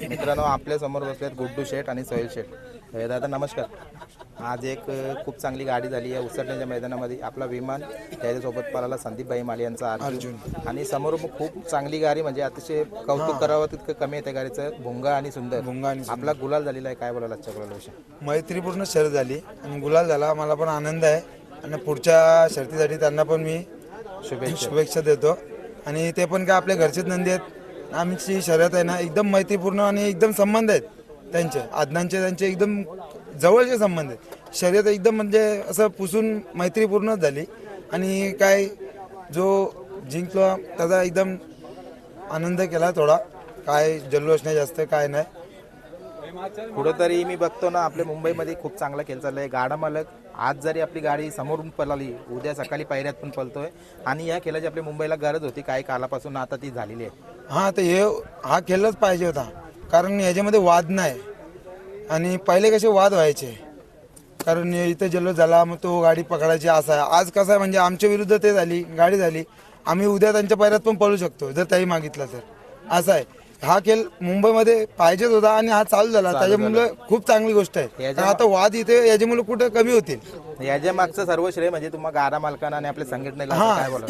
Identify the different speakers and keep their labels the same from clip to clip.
Speaker 1: मित्रांनो, आपल्या समोर बसलेत गुड्डू शेठ आणि सोहेल शेठ. दादा नमस्कार. आज एक खूप चांगली गाडी झाली आहे उसरण्याच्या मैदानामध्ये. आपला विमान त्याच्यासोबत पळाला संदीपभाई माले यांचा अर्जुन. आणि समोर खूप चांगली गाडी, म्हणजे अतिशय कौतुक करावं तितकं कमी आहे त्या गाडीचं. भुंगा आणि सुंदर आपला गुलाल झालेला आहे. काय बोलायला आजच्या गुलालाविषयी?
Speaker 2: मैत्रीपूर्ण शर्यत झाली आणि गुलाल झाला. मला पण आनंद आहे आणि पुढच्या शर्यतीसाठी त्यांना पण मी शुभेच्छा देतो. आणि ते पण काय आपल्या घरचेच नंदी आहेत. आमची शर्यत आहे ना एकदम मैत्रीपूर्ण आणि एकदम संबंध आहेत त्यांचे, आदनांचे त्यांचे एकदम जवळचे संबंध आहेत. शर्यत एकदम म्हणजे असं पुसून मैत्रीपूर्णच झाली. आणि काय जो जिंकलो त्याचा एकदम आनंद केला थोडा. काय जल्लोष नाही जास्त, काय नाही.
Speaker 1: कुठंतरी मी बघतो ना, आपल्या मुंबईमध्ये खूप चांगला खेळ चाललाय. गाडा मालक आज जरी आपली गाडी समोरून पळाली, उद्या सकाळी पायऱ्यात पण पळतोय. आणि या खेळाची आपल्या मुंबईला गरज होती काही कालापासून, आता ती झालेली आहे.
Speaker 2: हां, तर हा खेळच पाहिजे होता, कारण याच्यामध्ये वाद नाही. आणि पहिले कसे वाद व्हायचे, कारण इथं जल्लोष झाला मग तो गाडी पकडायची असा आहे. आज कसं आहे म्हणजे आमच्या विरुद्ध ते झाली गाडी झाली, आम्ही उद्या त्यांच्या पायऱ्यात पण पळू शकतो जर त्याही मागितलं तर. असं आहे. हा खेळ मुंबईमध्ये पाहिजेच होता आणि हा चालू झाला, त्याच्यामुळे खूप चांगली गोष्ट आहे. आता वाद इथे याच्यामुळे कुठे कमी होतील.
Speaker 1: याच्या मागचं सर्व श्रेय म्हणजे तुम्हाला गाडा मालकांना आणि आपल्या संघटनेला काय बोला.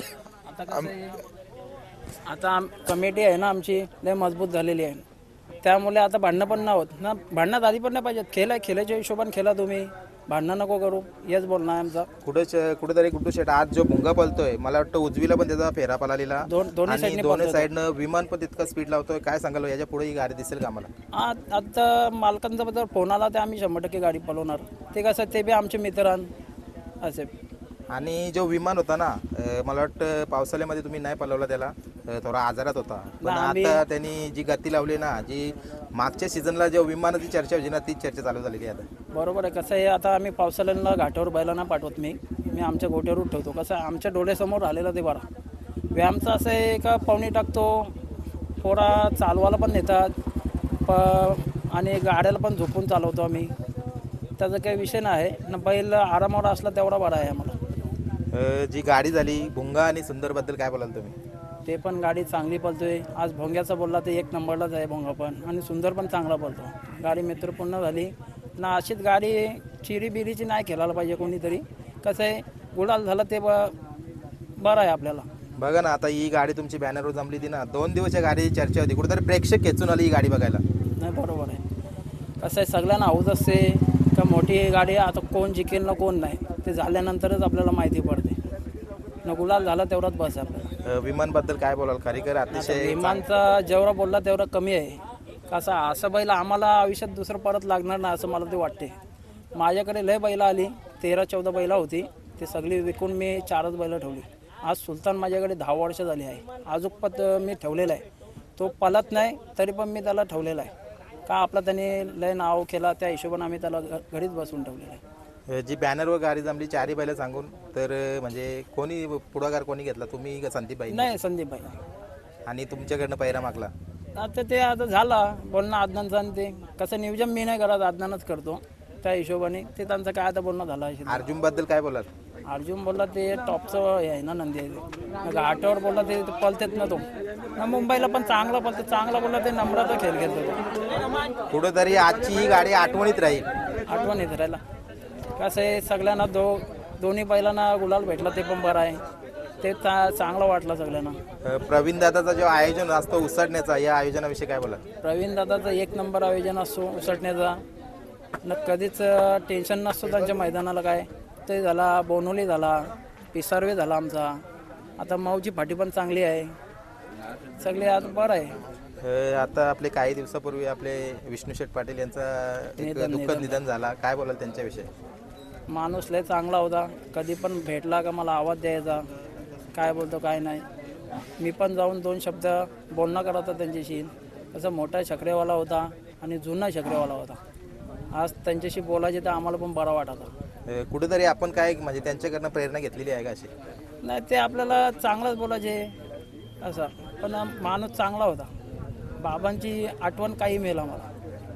Speaker 3: आता कमिटी आहे ना आमची लय मजबूत झालेली आहे, त्यामुळे आता भांडणं पण नाही होत ना. भांडणात आधी पण नाही पाहिजेत. खेळाच्या हिशोबाने खेळा तुम्ही, भांडणं नको करू, हेच बोलणं आहे आमचा.
Speaker 1: कुठेतरी गुड्डू शेट आज जो भुंगा पळतोय, मला वाटतं उजवीला पण त्याचा फेरा पळालेला. दोन्ही साईडनं विमान पण तितका स्पीड लावतोय. काय सांगाल याच्या पुढे ही गाडी दिसेल का आम्हाला?
Speaker 3: आता मालकांचा बद्दल फोन आला तर आम्ही 100% गाडी पळवणार. ते कसं, ते बी आमचे मित्र असे.
Speaker 1: आणि जो विमान होता ना, मला वाटतं पावसाळ्यामध्ये तुम्ही नाही पळवला त्याला, थोडा आजारात होता. पण आता त्यांनी जी गती लावली ना, जी मागच्या सीझनला जो विमानाची चर्चा होती ना, तीच चर्चा चालू झालेली आहे आता.
Speaker 3: बरोबर आहे. कसं आहे, आता आम्ही पावसाळ्याला घाटावर बैलांना पाठवत मी आमच्या गोट्यावर ठेवतो. कसं आमच्या डोळ्यासमोर राहिलेलं ते बरा. व्यायामचं असं आहे का पाहुणे टाकतो, पोरा चालवायला पण नेतात आणि गाड्याला पण झोपून चालवतो आम्ही. त्याचा काही विषय नाही ना. बैल आरामावर असला तेवढा बरा आहे आम्हाला.
Speaker 1: जी गाडी झाली भुंगा आणि सुंदरबद्दल काय बोलाल तुम्ही?
Speaker 3: ते पण गाडी चांगली पळतोय. आज भोंग्याचा बोलला तर 1 नंबरलाच आहे भोंगा पण, आणि सुंदर पण चांगला पळतो. गाडी मित्रपूर्ण झाली ना. अशीच गाडी चिरीबिरीची नाही खेळायला पाहिजे कोणीतरी. कसं आहे, गुलाल झालं ते बरं आहे आपल्याला.
Speaker 1: बघा ना, आता ही गाडी तुमची बॅनरवर जमली ती ना, 2 दिवस या गाडीची चर्चा होती. कुठेतरी प्रेक्षक खेचून आली ही गाडी बघायला.
Speaker 3: नाही, बरोबर आहे. कसं आहे, सगळ्यांना हौस असते का मोठी गाडी आता कोण जिंकेल ना कोण नाही, ते झाल्यानंतरच आपल्याला माहिती पडते ना. गुलाल झाला तेवढाच बस आपल्याला.
Speaker 1: विमानबद्दल काय बोलाल? खरेखर अतिशय
Speaker 3: विमानचा जेवढा बोलला तेवढा कमी आहे. कसं असं बैल आम्हाला आयुष्यात दुसरं परत लागणार नाही असं मला ते वाटते. माझ्याकडे लय बैला आली, 13-14 बैला होती. ते सगळी विकून मी 4च बैलं ठेवली. आज सुलतान माझ्याकडे 10 वर्ष झाली आहे. अजून पण मी ठेवलेला आहे. तो पलत नाही तरी पण मी त्याला ठेवलेला आहे. का आपला त्याने लय नाव केला, त्या हिशोबाने आम्ही त्याला घरीच बसून ठेवलेलं आहे.
Speaker 1: जी बॅनरवर गाडी जमली 4ही बैलं सांगून, तर म्हणजे कोणी पुढाकार कोणी घेतला, तुम्ही का संदीपबाई?
Speaker 3: नाही, संदीपबाई.
Speaker 1: आणि तुमच्याकडनं पैरा मागला?
Speaker 3: आता ते आता झाला बोलणं आदनांचं, आणि ते कसं नियोजन मी नाही करत, आदनानच करतो. त्या हिशोबाने ते त्यांचं काय आता बोलणं झालं असेल.
Speaker 1: अर्जुनबद्दल काय बोलाल?
Speaker 3: अर्जुन बोलला ते टॉपचं आहे ना, नंदी आहे. घाटावर बोलला ते पळतेत ना तो ना. मुंबईला पण चांगला पळते, चांगला बोलला ते नंबराचा खेळ खेळतो.
Speaker 1: कुठेतरी आजची ही गाडी आठवणीत राहील.
Speaker 3: आठवणीत राहिला. कसं आहे, सगळ्यांना दोन्ही बैलांना गुलाल भेटला ते पण बरं आहे. ते चांगलं वाटलं सगळ्यांना.
Speaker 1: प्रवीण दादाचा जो आयोजन असतो उसडण्याचा, या आयोजनाविषयी काय बोला?
Speaker 3: प्रवीण दादाचा 1 नंबर आयोजन असतो उसटण्याचा न. कधीच टेन्शन नसतो त्यांच्या मैदानाला. काय ते झाला, बोनोली झाला, पिसारवे झाला आमचा. आता माऊची फाटी पण चांगली आहे. सगळे आज बरं आहे.
Speaker 1: आता आपले काही दिवसापूर्वी आपले विष्णू शेठ पाटील यांचा दुःखद निधन झाला. काय बोलाल त्यांच्याविषयी?
Speaker 3: माणूस लय चांगला होता. कधी पण भेटला का मला आवाज द्यायचा, काय बोलतो काय नाही. मी पण जाऊन 2 शब्द बोलणं करत होता त्यांच्याशी. असं मोठा शकरेवाला होता आणि जुना शकरेवाला होता. आज त्यांच्याशी बोलायचे तर आम्हाला पण बरं वाटत होता.
Speaker 1: कुठेतरी आपण काय म्हणजे त्यांच्याकडनं प्रेरणा घेतलेली आहे का अशी?
Speaker 3: नाही, ते आपल्याला चांगलंच बोलायचे असं. पण माणूस चांगला होता. बाबांची आठवण काही मिळेल आम्हाला.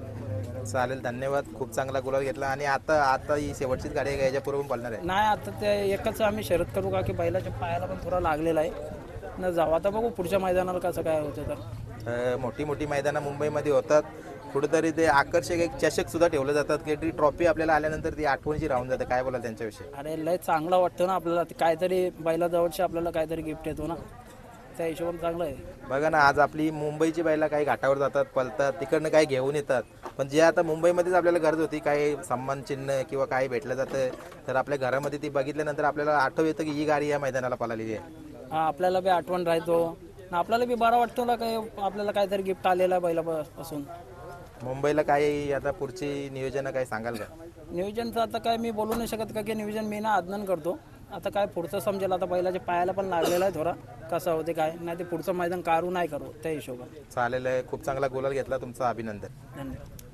Speaker 1: चालेल, धन्यवाद. खूप चांगला गुलाल घेतला. आणि आता ही शेवटचीच गाडी आहे, याच्यापूर्वी पण पळणार आहे?
Speaker 3: नाही, आता ते एकच आम्ही शर्यत करू का की बैलाच्या पायाला पण थोडा लागलेला आहे ना. जाऊ आता, बघू पुढच्या मैदानाला कसं काय होतं तर.
Speaker 1: मोठी मोठी मैदानं मुंबईमध्ये होतात, कुठेतरी ते आकर्षक एक चषक सुद्धा ठेवलं जातात की ती ट्रॉफी आपल्याला आल्यानंतर ती आठवणची राहून जाते. काय बोला त्यांच्याविषयी?
Speaker 3: अरे लय चांगलं वाटतं ना आपल्याला, ते काहीतरी बैलाजवळचे आपल्याला काहीतरी गिफ्ट येतो ना, त्या हिशोबाने चांगलं आहे.
Speaker 1: बघा ना, आज आपली मुंबईची बैला काही घाटावर जातात, पळतात, तिकडनं काही घेऊन येतात, पण जे आता मुंबईमध्येच आपल्याला गरज होती काही सन्मान चिन्ह किंवा काही भेटलं जातं, तर आपल्या घरामध्ये ती बघितल्यानंतर आपल्याला आठव येतं की ही गाडी या मैदानाला पळालेली आहे.
Speaker 3: हा, आपल्याला बी आठवण राहतो ना, आपल्याला बी बरं वाटतो ना, काही आपल्याला काहीतरी गिफ्ट आलेलं आहे बैलापासून.
Speaker 1: मुंबईला काही आता पुढची नियोजन काही सांगाल का?
Speaker 3: नियोजनचं आता काय मी बोलू नाही शकत का की नियोजन मी ना आदनन करतो. आता काय पुढचं समजेल, आता बैलाच्या पायाला पण लागलेला आहे थोडा, कसं होते काय नाही, ते पुढचं मैदान काढू नाही करू त्या हिशोबाने.
Speaker 1: चालेल आहे, खूप चांगला गोलाल घेतला, तुमचं अभिनंदन.
Speaker 3: धन्यवाद.